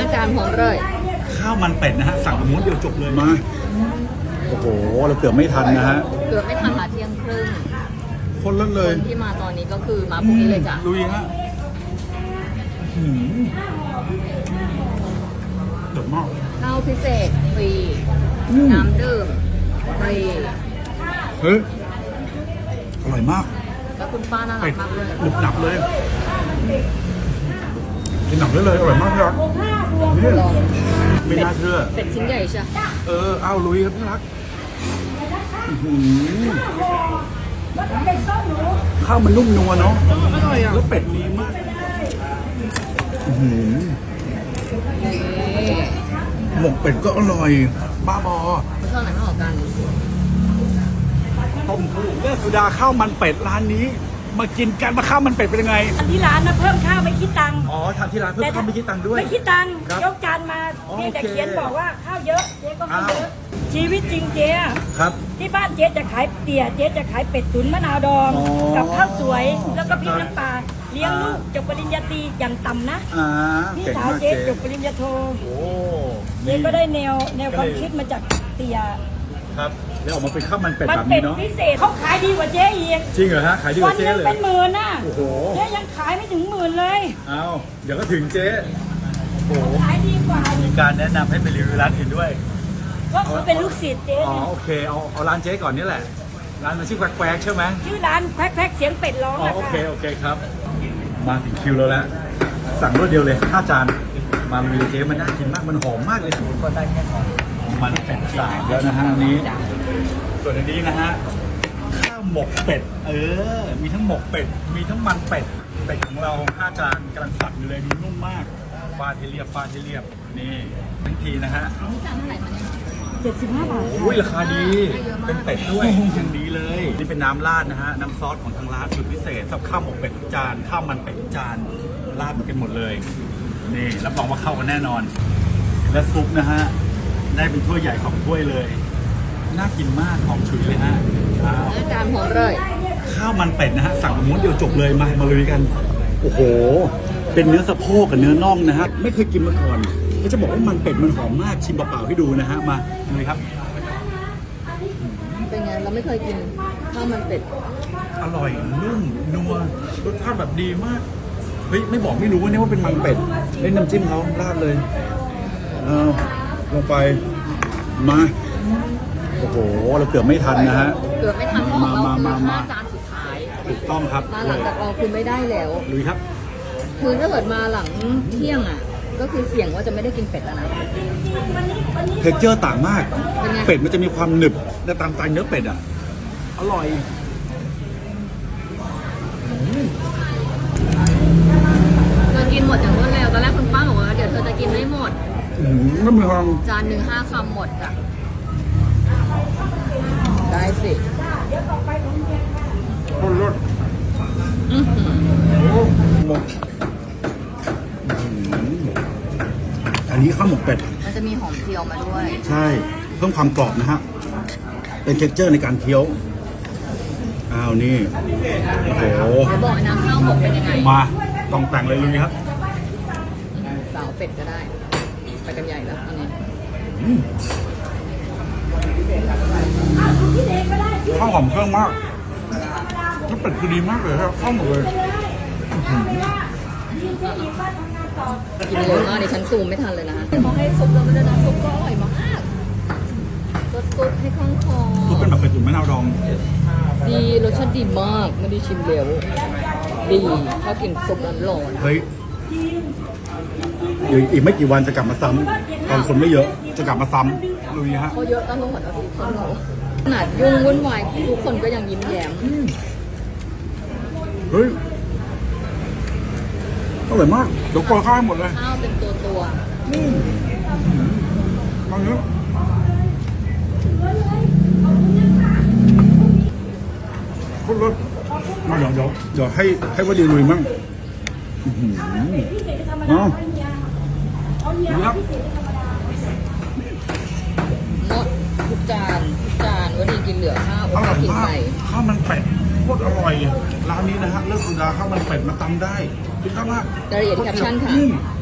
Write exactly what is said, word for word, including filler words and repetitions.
อาจารย์พร้อมเลยข้าวมันเป็ดนะฮะสั่งม้วนเดียวจบเลยมาโอ้โหเราเกือบไม่ทันนะฮะเกือบไม่ทันละเที่ยงครึ่งคนละเลยคนที่มาตอนนี้ก็คือมาพรุ่งนี้เลยจ้ะลุยฮะเดือดมากข้าวพิเศษฟรีน้ำดื่มฟรีเฮ้ยอร่อยมากแล้วคุณป้าน่ารักมากเลยหนึบหนับเลยกินหนับได้เลยอร่อยมากเลยนี่ไม่น่าเชื่อเป็ดชิ้นใหญ่ใช่เออเอาลุยครับที่รักข้าวมันนุ่มนัวเนาะอร่อยอ่ะแล้วเป็ดดีมากหมกเป็ดก็อร่อยบ้าบอชอบไหนมากกว่ากันต้มคู่เลือดสุดาข้าวมันเป็ดร้านนี้มากินกันมาข้าวมันเป็ดเป็นยังไงที่ร้านนะเพิ่มข้าวไม่คิดตังค์อ๋อทานที่ร้านเพิ่มข้าวไม่คิดตังค์ด้วยไม่คิดตังค์ยกจานมาเจ๊จะเขียนบอกว่าข้าวเยอะเจ๊ก็ไม่เยอะชีวิตจริงเจ๊ครับที่บ้านเจ๊จะขายเตี๋ยเจ๊จะขายเป็ดตุ๋นมะนาวดองกับข้าวสวยแล้วก็พริกน้ำปลาเลี้ยงลูกจบปริญญาตรีอย่างต่ำนะพี่สาวเจ๊จบปริญญาโทเจ๊ก็ได้แนวแนวความคิดมาจากเตี๋ยครับแล้วออกมาเป็นข้าวมันเป็ดแบบนี้เนาะพิเศษเขาขายดีกว่าเจ๊อีกจริงเหรอฮะขายดีกว่าเจ๊เลยวันนึงเป็นหมื่นน่ะโอ้โหเจ๊ยังขายไม่ถึงหมื่นเลยเอาเดี๋ยวก็ถึงเจ๊โอ้ขายดีกว่ามีการแนะนำให้ไปรีวิวร้านอื่นด้วยก็คือเป็นลูกศิษย์เจ๊อ๋อโอเคเอาเอาร้านเจ๊ก่อนนี่แหละร้านมันชื่อแควกใช่ไหมชื่อร้านแควกแควกเสียงเป็ดร้องอ๋อโอเคโอเคครับมาถึงคิวแล้วแล้วสั่งรวดเดียวเลยห้าจานมารีวิวเจ๊มันน่ากินมากมันหอมมากเลยก็ได้แค่หอมมันเป็ดสายแล้วนะฮะอันนี้ส่วนอันนี้นะฮะข้าวหมกเป็ดเออมีทั้งหมกเป็ดมีทั้งมันเป็ดเป็ดของเราห้าจานกำลังสับอยู่เลยดูนุ่มมากฟาที่เรียบฟาที่เรียบนี่ทันทีนะฮะนี่จานเท่าไหร่คะเนี่ยเจ็ดสิบห้าบาทโอ้ยราคาดีเป็นเป็ดด้วยยังดีเลยนี่เป็นน้ำราดนะฮะน้ำซอสของทางร้านสุดพิเศษสำหรับข้าวหมกเป็ดทุกจานข้าวมันเป็ดทุกจานราดกันหมดเลยนี่รับรองว่าเข้ากันแน่นอนและซุปนะฮะได้เป็นถ้วยใหญ่สองถ้วยเลยน่ากินมากหอมฉุยเลยฮะอาจารย์พร้อมเลยข้าวมันเป็ดนะฮะสั่งม้วนเดียวจบเลยมามาลุยกันโอ้โหเป็นเนื้อสะโพกกับเนื้อน่องนะฮะไม่เคยกินมาก่อนก็จะบอกว่ามันเป็ดมันหอมมากชิมเปล่าๆให้ดูนะฮะมาเลยครับเป็นไงเราไม่เคยกินข้าวมันเป็ดอร่อยนุ่มนัวรสชาติแบบดีมากเฮ้ยไม่บอกไม่รู้เนี่ยว่าเป็นมันเป็ดเล่นน้ำจิ้มเขาราดเลยเอาลงไปมาโอ้โหเราเกือบไม่ทันนะฮะเกือบไม่ทันเพราะเราคือห้าจานสุดท้ายถูกต้องครับมาหลังจากเราคือไม่ได้แล้วลุยครับคือถ้าเกิดมาหลังเที่ยงอ่ะก็คือเสี่ยงว่าจะไม่ได้กินเป็ดแล้วนะเท็กเจอร์ต่างมากเป็ดมันจะมีความหนึบและตามใจเนื้อเป็ดอ่ะอร่อยเธอกินหมดอย่างรวดเร็วตอนแรกคุณป้าบอกว่าเดี๋ยวเธอจะกินไม่หมดไม่มีความจานหนึ่งห้าคำหมดอ่ะได้สิคนรสหมกอันนี้ข้าวหมกเป็ดมันจะมีหอมเจียวมาด้วยใช่เพิ่มความกรอบนะฮะเป็นเท็กเจอร์ในการเคี้ยวอ้าวนี่โอ้โหบอกนะข้าวหมกเป็นยังไงมาต้องแต่งเลยลุยครับสาวเป็ดก็ได้ไปกันใหญ่แล้วอันนี้ข้าวหอมเครื่องมากแล้วเป็ดคือดีมากเลยครับข้าวหมกเลยกินเยอะมากดิฉันซูมไม่ทันเลยนะมองให้ซุปเราไม่ได้นะซุปก็อร่อยมากรสซุปให้คล่องคอซุปเป็นแบบเป็ดตุ๋นมะนาวดองดีรสชาติดีมากไม่ได้ชิมเร็วดีถ้ากินซุปร้อนเฮ้ยเดี๋ยวอีกไม่กี่วันจะกลับมาซ้ำตอนคนไม่เยอะจะกลับมาซ้ำลุยฮะเขาเยอะตั้งแต่หมดอาทิตย์เขาขนาดยุ่งวุ่นวายทุกคนก็ยังยิ้มแย้มเฮ้ยอร่อยมากเดี๋ยวกอข้าวหมดเลยข้าวเป็นตัวตัวมาเยอะคนรสมาเดี๋ยวเดี๋ยวเดี๋ยวให้ให้ว่าดีลุยมั่งอ๋อครับหมดทุกจานทุกจานวันนี้กินเหลือข้าวอร่อยมากข้าวมันเป็ดโคตรอร่อยร้านนี้นะฮะเลือกสุดาข้าวมันเป็ดมาตำได้คิดมากรายละเอียดแคปชั่นค่ะ